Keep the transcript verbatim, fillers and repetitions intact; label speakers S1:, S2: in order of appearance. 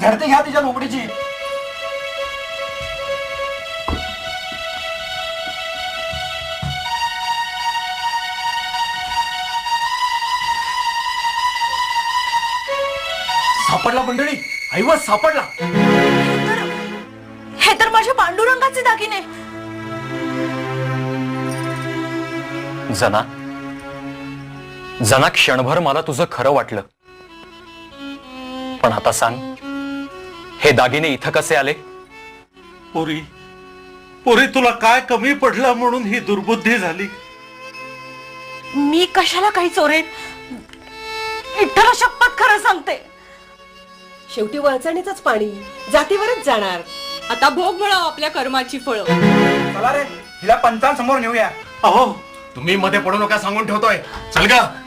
S1: झडती घ्या तिच्या लोकडीची. सापडला मंडळी, ऐवज सापडला.
S2: हे तर माझ्या पांडुरंगाचे दागिने.
S3: जना जना क्षणभर मला तुझं खरं वाटलं, पण आता सांग, हे दागिने इथं कसे आले?
S4: पोरी पोरी तुला काय कमी पडला म्हणून ही दुर्बुद्धी झाली?
S2: मी कशाला काही चोरेन? विठ्ठला शपथ खरं सांगते.
S5: शेवटी वळचणीचंच पाणी जातीवरच जाणार.
S6: आता भोग मिळाव आपल्या कर्माची फळं.
S1: चला रे, हिला पंचांसमोर नेऊया.
S4: अहो
S7: तुम्ही मध्ये पडू नका सांगून ठेवतोय. चल ग.